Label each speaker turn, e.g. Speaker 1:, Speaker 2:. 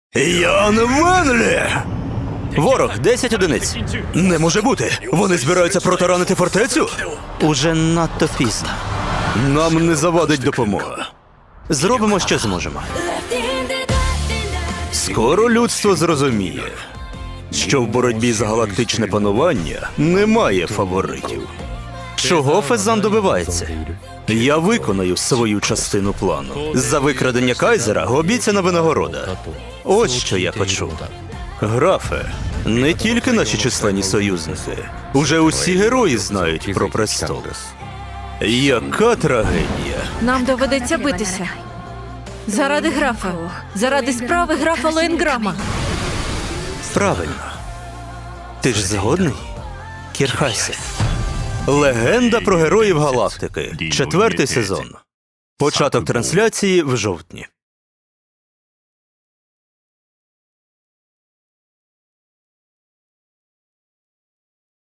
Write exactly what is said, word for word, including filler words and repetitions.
Speaker 1: Ян Венлі!
Speaker 2: Ворог, десять одиниць.
Speaker 1: Не може бути! Вони збираються протаранити фортецю?
Speaker 2: Уже надто пізно.
Speaker 1: Нам не завадить допомога.
Speaker 2: Зробимо, що зможемо.
Speaker 1: Скоро людство зрозуміє, що в боротьбі за галактичне панування немає фаворитів.
Speaker 2: Чого Фезан добивається?
Speaker 1: Я виконаю свою частину плану. За викрадення Кайзера обіцяна винагорода.
Speaker 2: Ось що я почув.
Speaker 1: Графе, не тільки наші численні союзники. Уже усі герої знають про престол. Яка трагедія.
Speaker 3: Нам доведеться битися. Заради графа. Заради справи графа Лоєнграма.
Speaker 2: Правильно. Ти ж згодний? Кірхайсе.
Speaker 1: Легенда про героїв галактики. Четвертий сезон. Початок трансляції в жовтні.